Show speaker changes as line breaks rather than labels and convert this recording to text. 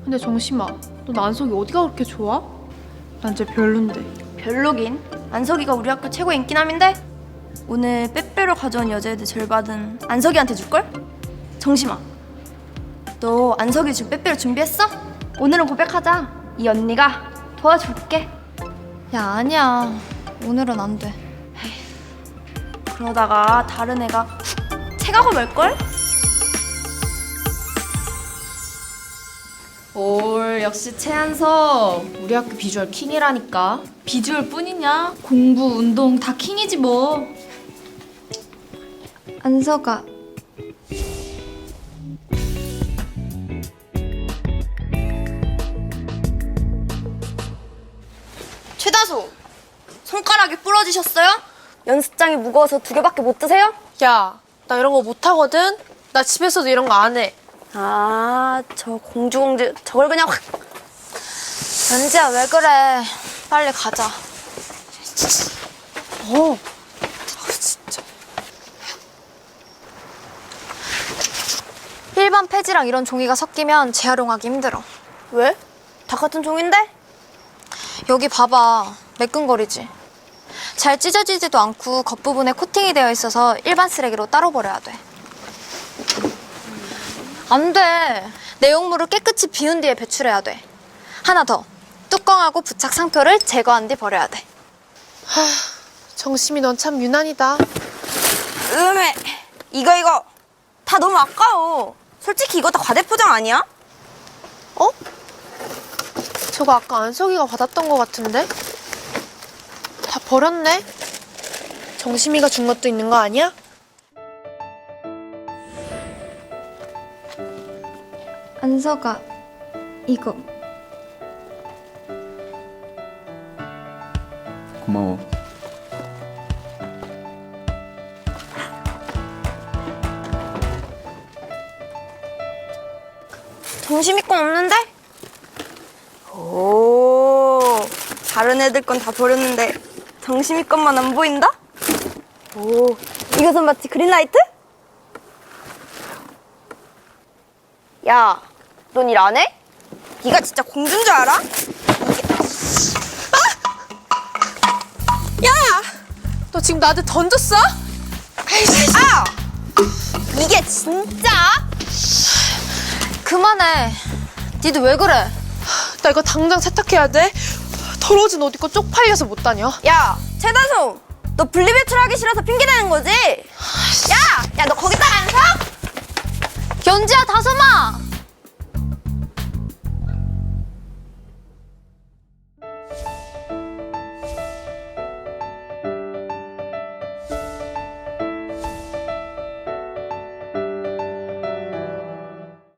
근데 정심아, 넌 안석이 어디가 그렇게 좋아? 난 쟤 별론데.
별로긴. 안석이가 우리 학교 최고 인기남인데? 오늘 빼빼로 가져온 여자애들 절반은 안석이한테 줄걸? 정심아, 너 안석이 줄 빼빼로 준비했어? 오늘은 고백하자. 이 언니가 도와줄게.
야, 아니야. 오늘은 안 돼.
그러다가 다른 애가 훅 채가고 말걸?
올 역시 최한석 우리 학교 비주얼 킹이라니까. 비주얼 뿐이냐? 공부, 운동 다 킹이지 뭐.
안석아,
최다소, 손가락이 부러지셨어요? 연습장이 무거워서 2개밖에 못 드세요?
야, 나 이런 거 못하거든? 나 집에서도 이런 거 안 해.
아, 저 공주 저걸 그냥 확.
연지야, 왜 그래? 빨리 가자.
진짜.
일반 폐지랑 이런 종이가 섞이면 재활용하기 힘들어.
왜? 다 같은 종인데?
여기 봐봐. 매끈거리지? 잘 찢어지지도 않고 겉부분에 코팅이 되어 있어서 일반 쓰레기로 따로 버려야 돼. 안 돼. 내용물을 깨끗이 비운 뒤에 배출해야 돼. 하나 더. 뚜껑하고 부착 상표를 제거한 뒤 버려야 돼.
정심이 넌 참 유난이다.
음에 이거 다 너무 아까워. 솔직히 이거 다 과대포장 아니야?
어? 저거 아까 안석이가 받았던 거 같은데? 다 버렸네? 정심이가 준 것도 있는 거 아니야?
안석아, 이거.
고마워.
정심이 건 없는데? 오, 다른 애들 건 다 버렸는데 정심이 것만 안 보인다? 오, 이것은 마치 그린라이트? 야, 넌 일 안 해? 네가 진짜 공주인 줄 알아?
너 지금 나한테 던졌어?
아! 이게 진짜?
그만해. 니도 왜 그래?
나 이거 당장 세탁해야 돼. 더러워진 옷 입고 쪽팔려서 못 다녀.
야, 최다솜, 너 분리배출하기 싫어서 핑계대는 거지? 야, 너 거기다가 안 서?
연지야, 다솜아!